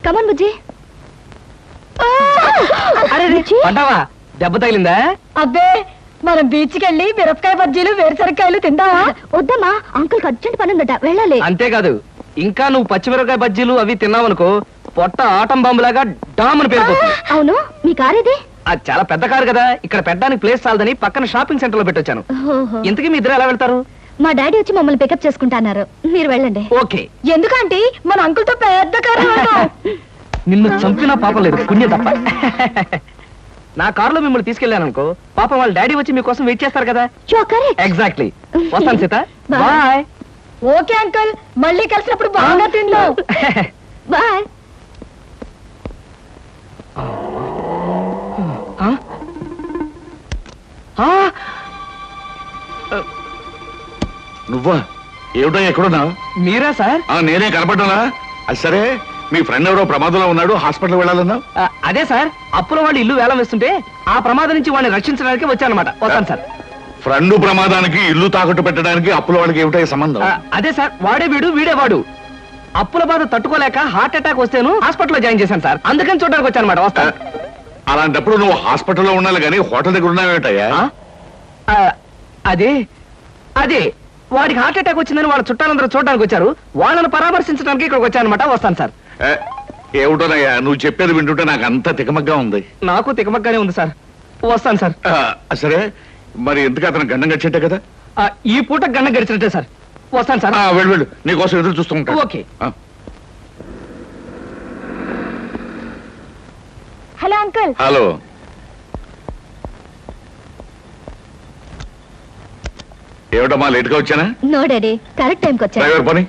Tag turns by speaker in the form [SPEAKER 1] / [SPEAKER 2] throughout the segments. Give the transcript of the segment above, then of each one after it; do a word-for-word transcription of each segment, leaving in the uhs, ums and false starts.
[SPEAKER 1] కమాన్ బుజ్జి.
[SPEAKER 2] అరే పడ్డావా? దెబ్బ తగిలిందా?
[SPEAKER 1] అబ్బే మనం బీచ్ కి వెళ్ళి మిరపకాయ బజ్జీలు వేరుసరికాయలు తిందామా? వద్దమ్మా, అంకుల్ అర్జెంట్ పని ఉందట, వెళ్ళాలి.
[SPEAKER 2] అంతేకాదు, ఇంకా నువ్వు పచ్చిమిరపకాయ బజ్జీలు అవి తిన్నావనుకో పొట్ట ఆటం బాంబులాగా డామ్ అని పేరుపోతుంది.
[SPEAKER 1] అవును, మీ కార్ ఇది?
[SPEAKER 2] అది చాలా పెద్ద కారు కదా, ఇక్కడ పెట్టడానికి ప్లేస్ చాలదని పక్కన షాపింగ్ సెంటర్ లో పెట్టొచ్చాను. ఇంతకీ మీ ఇద్దరు ఎలా వెళ్తారు?
[SPEAKER 1] మా డాడీ వచ్చి మమ్మల్ని పికప్ చేసుకుంటున్నారు, మీరు వెళ్ళండి.
[SPEAKER 2] ఓకే.
[SPEAKER 1] ఎందుకంటే మన అంకుల్ తో పెద్ద కారు.
[SPEAKER 2] నిన్ను చంపినా పాపం లేదు, పుణ్యం తప్ప. నా కారులో మిమ్మల్ని తీసుకెళ్లాను అనుకో, పాపం వాళ్ళ డాడీ వచ్చి మీకోసం వెయిట్ చేస్తారు కదా. ఎగ్జాక్ట్లీ. వస్తాను సీత, బాయ్.
[SPEAKER 1] ఓకే అంకుల్, మళ్ళీ కలిసినప్పుడు బాగా తిందాం. బాయ్.
[SPEAKER 3] నువ్వా? ఏమిటో ఎక్కడున్నా?
[SPEAKER 2] మీరా సార్?
[SPEAKER 3] నేనే కనపడ్డానా? అది సరే, మీ ఫ్రెండ్ ఎవరో ప్రమాదంలో ఉన్నాడు, హాస్పిటల్ వెళ్ళాలన్నా?
[SPEAKER 2] అదే సార్, అప్పుల వాళ్ళు ఇల్లు వేలం వేస్తుంటే ఆ ప్రమాదం నుంచి వాడిని రక్షించడానికి వచ్చానమాట. వస్తాను సార్.
[SPEAKER 3] ఫ్రెండ్ ప్రమాదానికి ఇల్లు తాకట్టు పెట్టడానికి అప్పుల వాళ్ళకి ఏమిటో సంబంధం?
[SPEAKER 2] అదే సార్, వాడే వీడు వీడే వాడు. అప్పుల బాధ తట్టుకోలేక హార్ట్ అటాక్ వస్తేను హాస్పిటల్లో జాయిన్ చేశాను సార్, అందుకని చూడడానికి వచ్చానమాట. వస్తాను.
[SPEAKER 3] అలాంటప్పుడు నువ్వు హాస్పిటల్లో ఉండాలి కానీ హోటల్ దగ్గర ఉన్నావేటయ్యా?
[SPEAKER 2] అదే అదే వాడికి హార్ట్ అటాక్ వచ్చిందని వాళ్ళ చుట్టాలందరూ చూడడానికి వచ్చారు, వాళ్ళని పరామర్శించడానికి ఇక్కడికి వచ్చానమాట. వస్తాను సార్.
[SPEAKER 3] ఏమిటోనయ్యా నువ్వు చెప్పేది వింటుంటే నాకు అంత తికమగ్గా ఉంది.
[SPEAKER 2] నాకు తికమగ్గానే ఉంది సార్. వస్తాను సార్.
[SPEAKER 3] సరే, మరి ఎందుకు అతను గండం గడిచేట్టే కదా?
[SPEAKER 2] ఈ పూట గండం గడిచినట్టే సార్. వస్తాను సార్.
[SPEAKER 3] వెళ్ళు వెళ్ళు, నీకోసం ఎదురు చూస్తూ ఉంటాను.
[SPEAKER 2] ఓకే.
[SPEAKER 1] Hello uncle.
[SPEAKER 3] హలో. ఏమిటమ్మా లేట్ గా వచ్చానా?
[SPEAKER 1] నో డాడీ, కరెక్ట్ టైంకి వచ్చా.
[SPEAKER 3] డ్రైవర్ పని.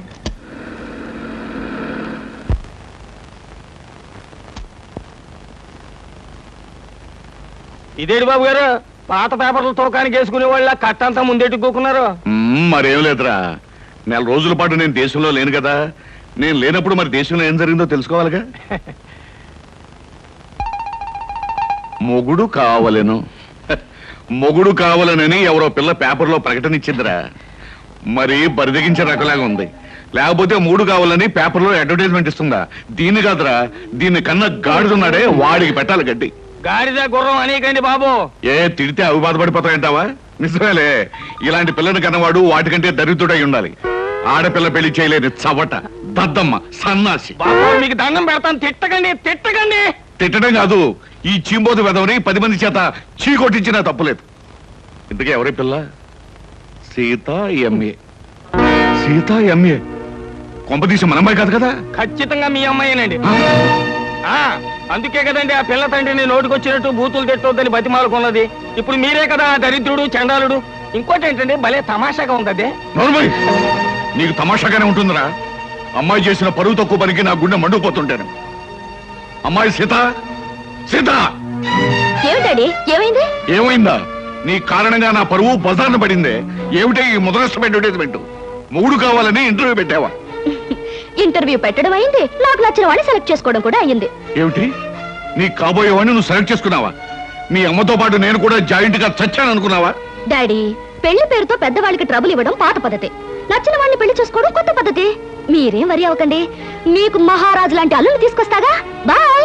[SPEAKER 2] ఇదేంటి బాబు గారు, పాత పేపర్లు తోకానికి వేసుకునే వాళ్ళ కట్టంతా ముందెట్టుకోకున్నారు?
[SPEAKER 3] మరేం లేదురా, నెల రోజుల పాటు నేను దేశంలో లేను కదా, నేను లేనప్పుడు మరి దేశంలో ఏం జరిగిందో తెలుసుకోవాలిగా. మొగుడు కావలెను మొగుడు కావాలనని ఎవరో పిల్ల పేపర్లో ప్రకటన ఇచ్చిందిరా. మరి బరిదగించే రకలాగా ఉంది. లేకపోతే మూడు కావాలని పేపర్లో అడ్వర్టైజ్మెంట్ ఇస్తుందా? దీన్ని కాదురా, దీన్ని కన్నా గాడిదున్నాడే వాడికి పెట్టాలి గడ్డి.
[SPEAKER 2] గాడిద గుర్రం అనేకండి బాబు.
[SPEAKER 3] ఏ తిడితే అవి బాధపడిపోతాయంటావా? నిజమేలే, ఇలాంటి పిల్లని కన్నవాడు వాటికంటే దరిద్రుడై ఉండాలి. ఆడపిల్ల పెళ్లి చేయలేని చవట, దద్దమ్మ, సన్నాసి.
[SPEAKER 2] మీకు దండం పెడతాను, తిట్టకండి తిట్టకండి.
[SPEAKER 3] తిట్టడం కాదు, ఈ చీంబోతు వెదవని పది మంది చేత చీ కొట్టించినా తప్పులేదు. ఇంతకీ ఎవరి పిల్ల? సీత ఎంఏ. సీత ఎంఏ కొంపదీసి మన అమ్మాయి కాదు కదా?
[SPEAKER 2] ఖచ్చితంగా మీ అమ్మాయినండి. అందుకే కదండి ఆ పిల్ల తండ్రిని నోటుకొచ్చినట్టు బూతులు తిట్టొద్దని బతిమాలుకున్నది. ఇప్పుడు మీరే కదా దరిద్రుడు చండాలుడు. ఇంకోటి ఏంటంటే భలే తమాషాగా ఉంది.
[SPEAKER 3] నోర్మయ్, నీకు తమాషాగానే ఉంటుందిరా. అమ్మాయి చేసిన పరువు తక్కువ పనికి నా గుండె మండుకుపోతుంటాను. అమ్మాయి సీత, సీత
[SPEAKER 1] ఏమిటండి? ఏమైంది?
[SPEAKER 3] ఏమైందా? నీ కారణంగా నా పరువు బజార్న పడిందే. ఏమిటే ఈ ముదరష్టం అడ్వర్టైజ్మెంట్? మూడు కావాలని ఇంటర్వ్యూ పెట్టావా?
[SPEAKER 1] ఇంటర్వ్యూ పెట్టడం అయింది, నాకు నచ్చిన వాడిని సెలెక్ట్ చేసుకోవడం కూడా అయింది.
[SPEAKER 3] ఏమిటి, నీ కాబోయే వాడిని నువ్వు సెలెక్ట్ చేసుకున్నావా? మీ అమ్మతో పాటు నేను కూడా జాయింట్ గా చచ్చాను అనుకున్నావా?
[SPEAKER 1] డాడీ, పెళ్లి పేరుతో పెద్దవాళ్ళకి ట్రబుల్ ఇవ్వడం పాత పద్ధతి, నచ్చిన వాడిని పెళ్లి చేసుకోవడం కొత్త పద్ధతి. మీరేం వరి అవ్వకండి, మీకు మహారాజు లాంటి అల్లుని తీసుకొస్తాగా. బాయ్.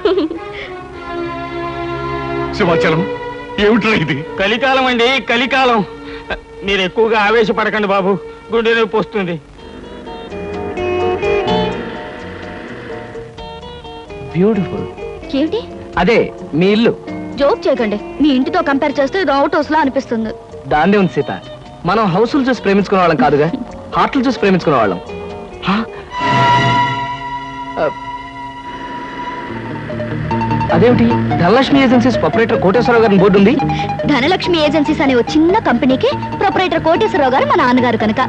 [SPEAKER 3] సింహాచలం, ఏమిట్రా ఇది?
[SPEAKER 2] కలికాలం అండి, కలికాలం. మీరు ఎక్కువగా ఆవేశపడకండి బాబు, గుండె నొప్పి వస్తుంది. బ్యూటిఫుల్.
[SPEAKER 1] ఏమిటి?
[SPEAKER 2] అదే మీ ఇల్లు.
[SPEAKER 1] జోక్ చేయకండి, మీ ఇంటితో కంపేర్ చేస్తే ఇది అవుట్ హౌస్ లా అనిపిస్తుంది.
[SPEAKER 2] దాన్నే ఉంది సీత, మనం హౌసులు చూసి ప్రేమించుకునే వాళ్ళం కాదుగా, హార్ట్లు చూసి ప్రేమించుకునే వాళ్ళం. అదేమిటి, ధనలక్ష్మి ఏజెన్సీస్ ప్రొపరేటర్ కోటేశ్వరరావు గారి బోర్డు ఉంది.
[SPEAKER 1] ధనలక్ష్మి ఏజెన్సీస్ అనే ఒక చిన్న కంపెనీకి ప్రొపరేటర్ కోటేశ్వరరావు గారు మా నాన్నగారు కనుక.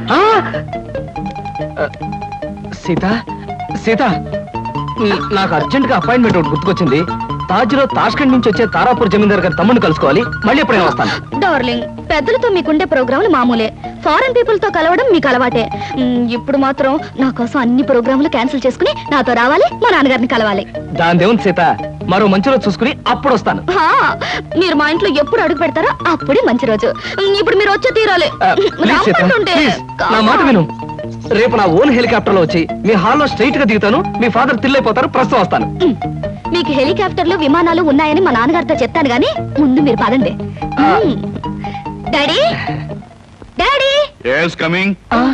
[SPEAKER 2] సీత సీత నాకు అర్జెంట్ గా అపాయింట్మెంట్ ఒకటి గుర్తుకొచ్చింది. తాజ్ లో తాష్కండ్ నుంచి వచ్చే తారాపూర్ జమీందార్ గారి తమ్ముడిని కలుసుకోవాలి. మళ్ళీ ఎప్పుడైనా వస్తాను.
[SPEAKER 1] డార్లింగ్, పెద్దలతో మీకుండే ప్రోగ్రాములు మామూలే, ఫారెన్ పీపుల్ తో కలవడం మీకు అలవాటే. ఇప్పుడు మాత్రం నా కోసం అన్ని ప్రోగ్రాములు క్యాన్సిల్ చేసుకుని నాతో రావాలి, మా నాన్నగారిని కలవాలి.
[SPEAKER 2] దాని దేవుని సీత, మరో మంచి రోజు చూసుకుని అప్పుడు వస్తాను.
[SPEAKER 1] మీరు మా ఇంట్లో ఎప్పుడు అడుగు పెడతారో అప్పుడే మంచి రోజు. ఇప్పుడు మీరు వచ్చే తీరాలి.
[SPEAKER 2] నా మాట విను. రేపు నా ఓన్ హెలికాప్టర్ లో వచ్చి మీ హాల్లో స్ట్రైట్ గా దిగుతాను. మీ ఫాదర్ తిల్లైపోతారు. ప్రస్తుతం వస్తాను.
[SPEAKER 1] ఉమ్. మీకు హెలికాప్టర్లు విమానాలు ఉన్నాయని మా నాన్నగారితో చెప్తాను గానీ ముందు మీరు పదండి. ఉమ్. Daddy daddy
[SPEAKER 3] yes coming.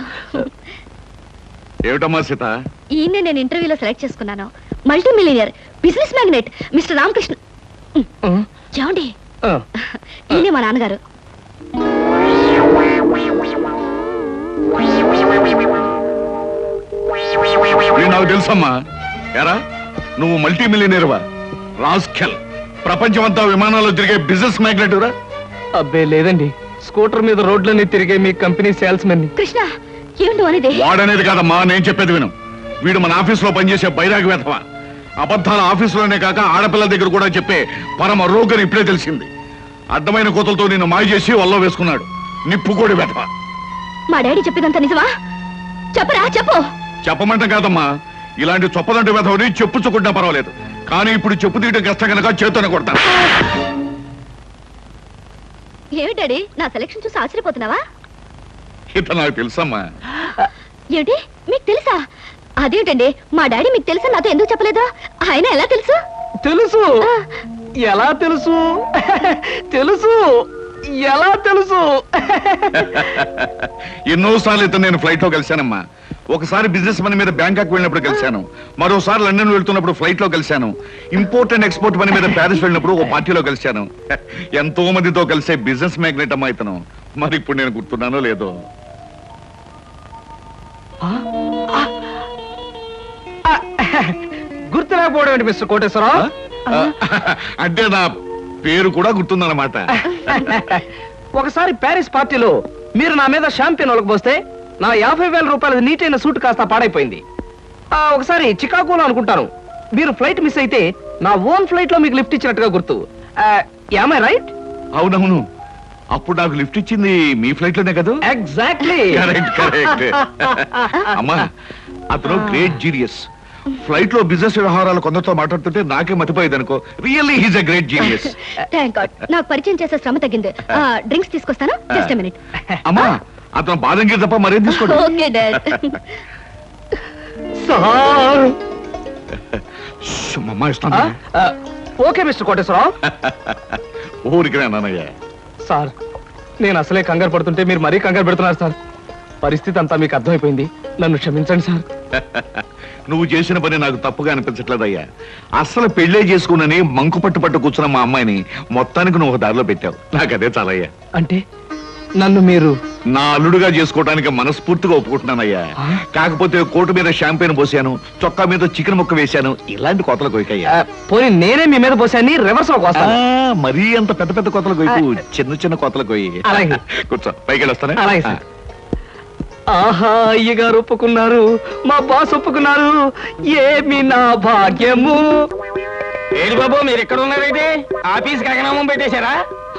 [SPEAKER 3] ఏమిటమ్మా సీత?
[SPEAKER 1] ఈయన్ని నేను ఇంటర్వ్యూలో సెలెక్ట్ చేసుకున్నాను. Multi millionaire business magnet mister Ramakrishna. చూడండి, ఈయనే మా నాన్నగారు.
[SPEAKER 3] వీడు నాకు తెలుసమ్మా. ఎరా నువ్వు మల్టీ మిలియనీర్వా? రాస్కెల్, ప్రపంచమంతా విమానాల్లో తిరిగే బిజినెస్ మ్యాగ్నెట్ రా?
[SPEAKER 2] అబ్బే లేదండి, స్కూటర్ మీద రోడ్లన్నీ తిరిగే మీ కంపెనీ సేల్స్ మెన్.
[SPEAKER 1] కృష్ణ ఏమిటో అనేది?
[SPEAKER 3] వాడనేది కాదమ్మా, నేను చెప్పేది విను. వీడు మన ఆఫీసులో పనిచేసే బైరాగి వేధవా. అబద్ధాల ఆఫీసులోనే కాక ఆడపిల్లల దగ్గర కూడా చెప్పే పరమ రోగని ఇప్పుడే తెలిసింది. అడ్డమైన కోతలతో నిన్ను మాయ చేసి వల్ల వేసుకున్నాడు. నిప్పుకోడి వేధవా.
[SPEAKER 1] మా డాడీ చెప్పేదంతా నిజమా? చెప్పరా చెప్పు.
[SPEAKER 3] చెప్పమంటే కాదమ్మా, ఇలాంటి చొప్పదంటే వేధవని చెప్పుచ్చుకుంటా పర్వాలేదు, కానీ ఇప్పుడు చెప్పు తీయడం కష్టం కనుక చేతోనే కొడతాను.
[SPEAKER 1] ఏమి డాడీ నా సెలక్షన్ చూసి ఆశ్చర్యపోతున్నావా?
[SPEAKER 3] ఇతను నాకు తెలుసమ్మా.
[SPEAKER 1] ఏమిటి మీకు తెలుసా? అదేంటండి, మా డాడీ మీకు తెలుసా నాతో ఎందుకు చెప్పలేదు? ఆయన ఎలా తెలుసు?
[SPEAKER 2] తెలుసు. ఎలా తెలుసు? తెలుసు. ఎలా తెలుసు?
[SPEAKER 3] ఎన్నోసార్లు ఇతను నేను ఫ్లైట్ లో కలిశానమ్మా. ఒకసారి బిజినెస్ పని మీద బ్యాంకాక్ వెళ్ళినప్పుడు కలిశాను. మరోసారి లండన్ వెళ్తున్నప్పుడు ఫ్లైట్ లో కలిశాను. ఇంపోర్ట్ అండ్ ఎక్స్పోర్ట్ పని మీద ప్యారిస్ వెళ్ళినప్పుడు ఒక పార్టీలో కలిశాను. ఎంతో మందితో కలిసే బిజినెస్ మ్యాగ్నెట్ అమ్మా ఇతను. మరి ఇప్పుడు నేను గుర్తున్నానో లేదో.
[SPEAKER 2] గుర్తులేకపోవడం ఏంటి మిస్టర్ కోటేశ్వరరావు?
[SPEAKER 3] అంటే నా పేరు కూడా గుర్తుందన్నమాట.
[SPEAKER 2] ఒకసారి ప్యారిస్ పార్టీలో మీరు నా మీద షాంపియన్ ఒలకపోస్తే నా యాభై వేల రూపాయల నీటైన సూట్ కాస్త పాడైపోయింది. ఆ, ఒకసారి చికాగోలో అనుకుంటాను మీరు ఫ్లైట్ మిస్ అయితే నా ఓన్ ఫ్లైట్ లో మీకు లిఫ్ట్ ఇచ్చినట్టుగా గుర్తు. Am I right?
[SPEAKER 3] అవునవును, అప్పుడు నాకు లిఫ్ట్ ఇచ్చింది మీ ఫ్లైట్ లోనే కదా?
[SPEAKER 2] ఎగ్జాక్ట్లీ.
[SPEAKER 3] Correct correct. అమ్మా అతను గ్రేట్ జీనియస్. ఫ్లైట్ లో బిజినెస్ వ్యవహారాలు కొందరితో మాట్లాడుతుంటే నాకే మతిపోయేది అనుకో. Really he's a great genius.
[SPEAKER 1] Thank God, నాకు పరిచయం చేసే శ్రమ తగ్గింది. డ్రింక్స్ తీసుకొస్తాను, జస్ట్ ఎ మినిట్.
[SPEAKER 3] అమ్మా అతను బాదంగిరి తప్ప మరేం తీసుకోండి.
[SPEAKER 1] Okay dad.
[SPEAKER 2] సార్.
[SPEAKER 3] అమ్మా ఇస్తాను.
[SPEAKER 2] Okay mister Koteswararao.
[SPEAKER 3] ఊరికి నాన్నయ్య.
[SPEAKER 2] సార్ నేను అసలే కంగారు పడుతుంటే మీరు మరీ కంగారు పెడుతున్నారు సార్. పరిస్థితి అంతా మీకు అర్థమైపోయింది, నన్ను క్షమించండి సార్.
[SPEAKER 3] నువ్వు చేసిన పని నాకు తప్పుగా అనిపించట్లేదయ్యా. అస్సలు పెళ్లే చేసుకున్నని మంకు పట్టు పట్టు కూర్చున్న మా అమ్మాయిని మొత్తానికి నువ్వు ఒక దారిలో పెట్టావు. నాకు అదే చాలయ్యా.
[SPEAKER 2] అంటే నన్ను మీరు
[SPEAKER 3] నా అల్లుడుగా చేసుకోవడానికి మనస్ఫూర్తిగా ఒప్పుకుంటున్నానయ్యా. కాకపోతే కోటు మీద షాంపెయిన్ పోసాను, చొక్కా మీద చికెన్ ముక్క వేశాను, ఇలాంటి కోతలు కొయ్యకయ్యా.
[SPEAKER 2] పోనీ నేనే మీ మీద పోసాన్ని రివర్స్ లో కోస్తాను.
[SPEAKER 3] మరీ అంత పెద్ద పెద్ద కోతలు కొయ్యకు, చిన్న చిన్న కోతలు కొయ్యి.
[SPEAKER 2] అలాగే.
[SPEAKER 3] కూర్చో, పైకి వెళ్ళొస్తానే.
[SPEAKER 2] అలాగే సార్. ఆహా, అయ్యగారు ఒప్పుకున్నారు, మా బాస్ ఒప్పుకున్నారు. ఏమి నా భాగ్యము.
[SPEAKER 4] ఏడు బాబు మీరు ఎక్కడ ఉన్నారైతే ఆఫీస్ కగనామం పెట్టేశారా?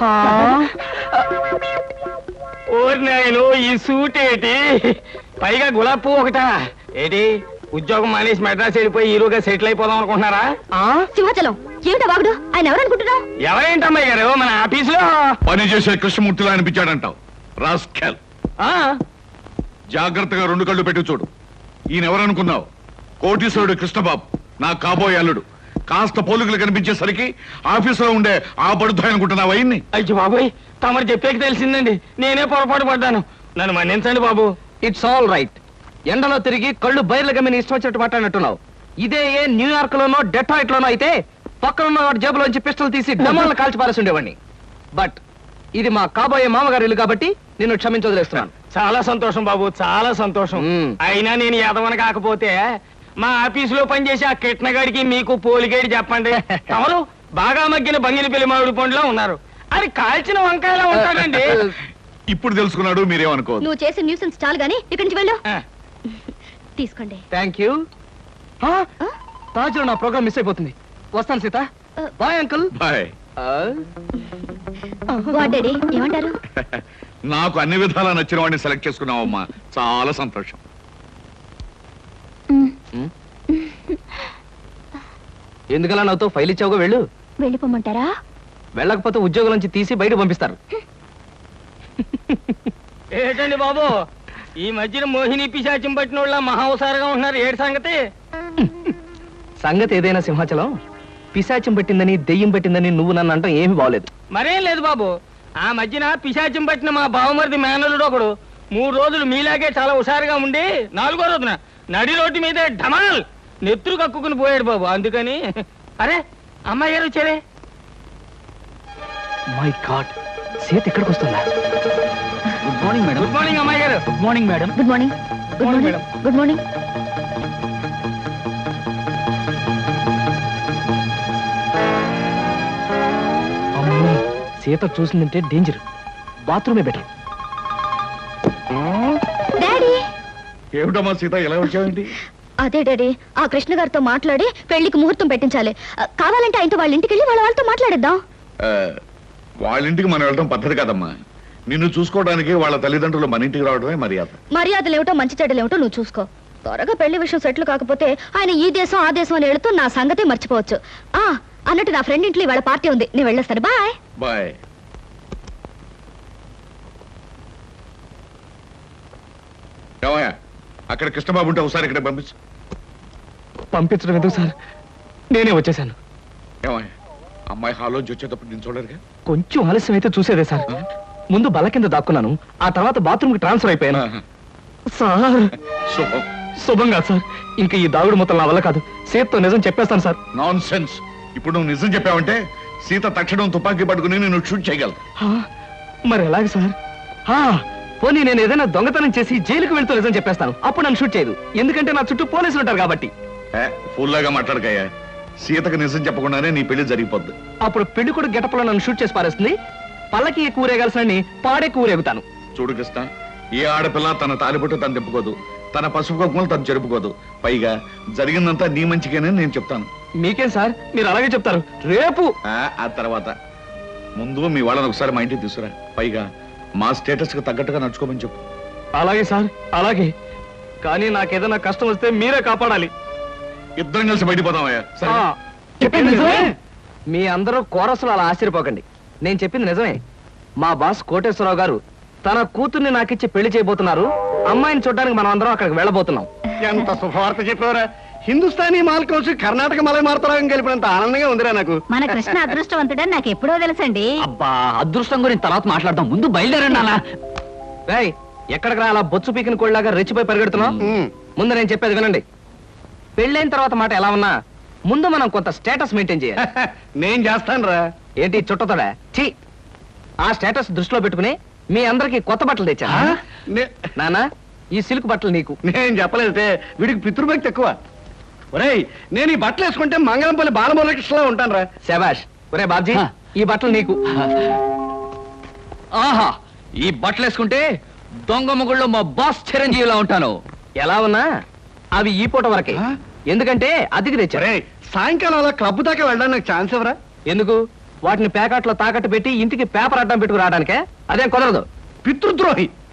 [SPEAKER 4] ఓరి నాయను, ఈ సూట్ ఏంటి, పైగా గులాబ్ పువ్వు ఒకటా ఏంటి? ఉద్యోగం మానేసి మెడ్రాస్ వెళ్ళిపోయి హీరోగా సెటిల్ అయిపోదాం అనుకుంటున్నారా?
[SPEAKER 1] సింహాచలం ఏమిటా బాగుడు? ఆయన ఎవరనుకుంటున్నావు?
[SPEAKER 4] ఎవరేంటమ్మాయి గారు, మన ఆఫీసులో
[SPEAKER 3] పని చేసే కృష్ణమూర్తిలా అనిపించాడంటావు. రాస్కెల్,
[SPEAKER 4] ఆ
[SPEAKER 3] జాగ్రత్తగా రెండు కళ్ళు పెట్టి చూడు. ఈయన ఎవరనుకున్నావు? కోటీశ్వరుడు కృష్ణబాబు, నా కాబోయే అల్లుడు. కాస్త పోలికలు కనిపించేసరికి ఆఫీసులో ఉండే ఆ పడుతా అనుకుంటున్నావు అయ్యింది.
[SPEAKER 4] అయ్యో బాబోయ్, తమరు చెప్పేకి తెలిసిందండి, నేనే పొరపాటు పడ్డాను, నన్ను మన్నించండి బాబు.
[SPEAKER 2] It's all right. ఎండలో తిరిగి కళ్ళు బయర్లు గమ్మిని ఇష్టం వచ్చినట్టు మాట్లాడినట్టున్నావు. ఇదే ఏ న్యూయార్క్ లోనో డెట్రాయిట్ లోనో అయితే పక్కనున్న వాడి జేబులోంచి పిస్టల్ తీసి డమాలను కాల్చి పారేసి ఉండేవాడిని. బట్ ఇది మా కాబోయే మామగారి ఇల్లు కాబట్టి నిన్ను క్షమించి వదిలేస్తున్నాను.
[SPEAKER 4] చాలా సంతోషం బాబు, చాలా సంతోషం.
[SPEAKER 2] మ్మ్.
[SPEAKER 4] అయినా నేను ఎదవన కాకపోతే మా ఆఫీసులో పనిచేసే ఆ కిట్నగాడికి మీకు పోలిగేడి చెప్పండి. తమరు బాగా మగ్గిన బంగిని పెళ్లి మామిడి పండులో ఉన్నారు, అది కాల్చిన వంకాయలా ఉంటాడండి.
[SPEAKER 3] ఇప్పుడు తెలుసుకున్నాడు, మీరేమనుకోవద్దు.
[SPEAKER 1] నువ్వు చేసే న్యూసెన్స్ చాలు గానీ ఇక్కడి నుంచి వెళ్ళు.
[SPEAKER 4] ఆ,
[SPEAKER 1] తీసుకోండి.
[SPEAKER 2] Thank you. తాజులో నా ప్రోగ్రామ్ మిస్ అయిపోతుంది. వస్తాను Sita. Bye uncle.
[SPEAKER 3] Bye.
[SPEAKER 1] What daddy ఏమంటారు?
[SPEAKER 3] నాకు అన్ని విధాలా నచ్చిన వాడిని సెలెక్ట్ చేసుకున్నావమ్మా, చాలా సంతోషం.
[SPEAKER 2] ఎందుకలా నాతో ఫైల్ ఇచ్చావుగా, వెళ్ళు.
[SPEAKER 1] వెళ్ళిపోమంటారా?
[SPEAKER 2] వెళ్ళకపోతే ఉద్యోగం నుంచి తీసి బయట పంపిస్తారు.
[SPEAKER 4] ఏంటండి బాబు, ఈ మధ్యన మోహిని పిశాచం పట్టిన వాళ్ళ మహావసారుగా ఉంటున్నారు ఏడు సంగతి.
[SPEAKER 2] సంగతి ఏదైనా సింహాచలం, పిశాచం పట్టిందని దెయ్యం పట్టిందని నువ్వు నన్ను అంటాం ఏమీ బాగలేదు.
[SPEAKER 4] మరేం లేదు బాబు, ఆ మధ్యన పిశాచం పట్టిన మా బావమరిది మేనలుడు ఒకడు మూడు రోజులు మీలాగే చాలా హుషారుగా ఉండి నాలుగో రోజున నడి రోడ్డు మీద ఢమాల్ నెత్తురు కక్కుకుని పోయాడు బాబు. అందుకని అరే అమ్మాయి గారు వచ్చారే.
[SPEAKER 2] మై గాడ్, సీత ఎక్కడికి వస్తుందా?
[SPEAKER 5] Good morning madam.
[SPEAKER 4] Good morning అమ్మాయి గారు.
[SPEAKER 5] Good morning madam.
[SPEAKER 1] Good morning. Good
[SPEAKER 4] morning
[SPEAKER 1] morning good morning.
[SPEAKER 2] అమ్మో, సీత చూసిందంటే డేంజర్. బాత్రూమే బెటర్.
[SPEAKER 1] డాడీ,
[SPEAKER 3] ఏమిటమ్మా సీత ఎలా వచ్చావేంటి?
[SPEAKER 1] అదే డాడీ, ఆ కృష్ణ గారితో మాట్లాడి పెళ్లికి ముహూర్తం పెట్టించాలి. ఆ, కావాలంటే ఆయనతో వాళ్ళ ఇంటికి వెళ్ళి వాళ్ళ వాళ్ళతో మాట్లాడేద్దాం.
[SPEAKER 3] ఆ, వాళ్ళ ఇంటికి మనం వెళ్ళడం పద్ధతి కాదమ్మా. నిన్ను చూసుకోవడానికి వాళ్ళ తల్లిదండ్రులు మన ఇంటికి రావడమే మర్యాద.
[SPEAKER 1] మర్యాదలు ఏమిటో మంచి చెడ్డలు ఏమిటో నువ్వు చూసుకో. త్వరగా పెళ్లి విషయం సెటిల్ కాకపోతే ఆయన ఈ దేశం ఆ దేశం అని వెళుతూ నా సంగతే మర్చిపోవచ్చు. ఆ అన్నట్టు నా ఫ్రెండ్ ఇంట్లో ఇవాళ పార్టీ ఉంది, నేను వెళ్ళొస్తాను. బాయ్.
[SPEAKER 3] బాయ్. ఏమయ్యా, అక్కడ కృష్ణబాబు ఉంటే ఒకసారి ఇక్కడ పంపించు.
[SPEAKER 2] పంపించడం ఎందుకు సార్, నేనే వచ్చేసాను.
[SPEAKER 3] ఏమయ్యా, అమ్మాయి హాలోంచి వచ్చేటప్పుడు నేను చూడరుగా?
[SPEAKER 2] కొంచెం ఆలస్యం అయితే చూసేదే సార్. ముందు బల్ల కింద దాక్కున్నాను, ఆ తర్వాత బాత్రూమ్ కి ట్రాన్స్ఫర్ అయిపోయాను.
[SPEAKER 3] ఆహా.
[SPEAKER 2] సార్
[SPEAKER 3] శుభం.
[SPEAKER 2] శుభం కాదు సార్, ఇంకా ఈ దాగుడు మొత్తం నా వల్ల కాదు. సీతతో నిజం చెప్పేస్తాను సార్.
[SPEAKER 3] Non sense. ఇప్పుడు నువ్వు నిజం చెప్పావంటే సీత తక్షణం తుపాకీ పట్టుకుని నేను షూట్ చేయగలదు.
[SPEAKER 2] హా, మరి ఎలాగ సార్? హా, పోనీ నేను ఏదైనా దొంగతనం చేసి జైలుకు వెళ్తూ నిజం చెప్పేస్తాను, అప్పుడు నన్ను షూట్ చేయదు. ఎందుకంటే నా చుట్టూ పోలీసులు ఉంటారు కాబట్టి.
[SPEAKER 3] ఫుల్లాగా మాట్లాడకయ్యా. సీతకు నిజం చెప్పకుండానే నీ పెళ్లి జరిగిపోద్ది.
[SPEAKER 2] అప్పుడు పెళ్లి కూడా గెటప్లో నన్ను షూట్ చేసి పారేస్తుంది. పల్లకి కూరేగాల్సిన పాడే కూరేగుతాను.
[SPEAKER 3] చూడు కృష్ణ, ఏ ఆడపిల్ల తన తాలిబొట్టు తను తిప్పుకోదు, తన పసుపు కుంకుమలు తను జరుపుకోదు. పైగా జరిగిందంతా నీ మంచిగానే నేను చెప్తాను.
[SPEAKER 2] మీకేం సార్, మీరు అలాగే చెప్తారు. రేపు
[SPEAKER 3] ఆ ఆ తర్వాత ముందు మీ వాళ్ళని ఒకసారి మా ఇంటికి తీసుకురా. పైగా మా స్టేటస్ కి తగ్గట్టుగా నడుచుకోమని చెప్పు.
[SPEAKER 2] అలాగే సార్, అలాగే. కానీ నాకేదైనా కష్టం వస్తే మీరే కాపాడాలి.
[SPEAKER 3] ఇద్దరం కలిసి బయటపోదామయ్యా. సరే?
[SPEAKER 2] ఆ, చెప్పింది నిజమే. మీ అందరూ కోరసులు అలా ఆశ్చర్యపోకండి, నేను చెప్పింది నిజమే. మా బాస్ కోటేశ్వరరావు గారు తన కూతుర్ని నాకిచ్చి పెళ్లి చేయబోతున్నారు. అమ్మాయిని చూడడానికి మనం అందరం అక్కడికి వెళ్ళబోతున్నాం.
[SPEAKER 4] ఎంత శుభవార్త చెప్పారా. హిందుస్థానీ మాల్ కౌన్సిల్ కర్ణాటక మలై మార్తరాగం కలిపినంత ఆనందంగా ఉందిరా నాకు.
[SPEAKER 1] మన కృష్ణ అదృష్టవంతుడని నాకు ఎప్పుడో తెలుసండి.
[SPEAKER 5] అబ్బా, అదృష్టం గురించి తర్వాత మాట్లాడదాం, ముందు బయలుదేరండి అలా.
[SPEAKER 2] రేయ్, ఎక్కడికి రా అలా బొచ్చు పీకిన కోళ్ళలాగా రెచ్చిపోయి పరిగెడుతున్నావు? ముందు నేను చెప్పేది వినండి. పెళ్ళైన తర్వాత మాట ఎలా ఉన్నా ముందు మనం కొంత స్టేటస్ మెయింటైన్ చేయాలి.
[SPEAKER 4] నేను చేస్తాను రా.
[SPEAKER 2] ఏంటి చుట్టతోడా? ఛీ, ఆ స్టేటస్ దృష్టిలో పెట్టుకుని మీ అందరికి కొత్త బట్టలు తెచ్చా. నానా, ఈ సిల్క్ బట్టలు నీకు.
[SPEAKER 4] నేను చెప్పలేదే, వీడికి పితృభక్తి ఎక్కువ. ఒరేయ్, నేను ఈ బట్టలు వేసుకుంటే మంగళంపల్లి బాలమురకృష్ణలా ఉంటాను రా.
[SPEAKER 2] శబాష్. ఒరే బాబ్జీ,
[SPEAKER 5] హా.
[SPEAKER 2] ఈ బట్టలు నీకు.
[SPEAKER 5] ఆహా, ఈ బట్టలు వేసుకుంటే దొంగ మొగుళ్ళో మా బాస్ చిరంజీవిలా ఉంటాను.
[SPEAKER 2] ఎలా ఉన్నా అవి ఈ పూట వరకే.
[SPEAKER 4] ఆ?
[SPEAKER 2] ఎందుకంటే అతికి తెచ్చారు.
[SPEAKER 4] ఒరేయ్, సాయంకాలం అలా క్లబ్ దాకా వెళ్ళడానికి నాకు ఛాన్స్ ఎవరా?
[SPEAKER 2] ఎందుకు? వాటిని ప్యాకెట్లో తాకట్టు పెట్టి ఇంటికి పేపర్ అడ్డం పెట్టుకు రావడానికే? అదేం కుదరదు.
[SPEAKER 4] పితృద్రోహి.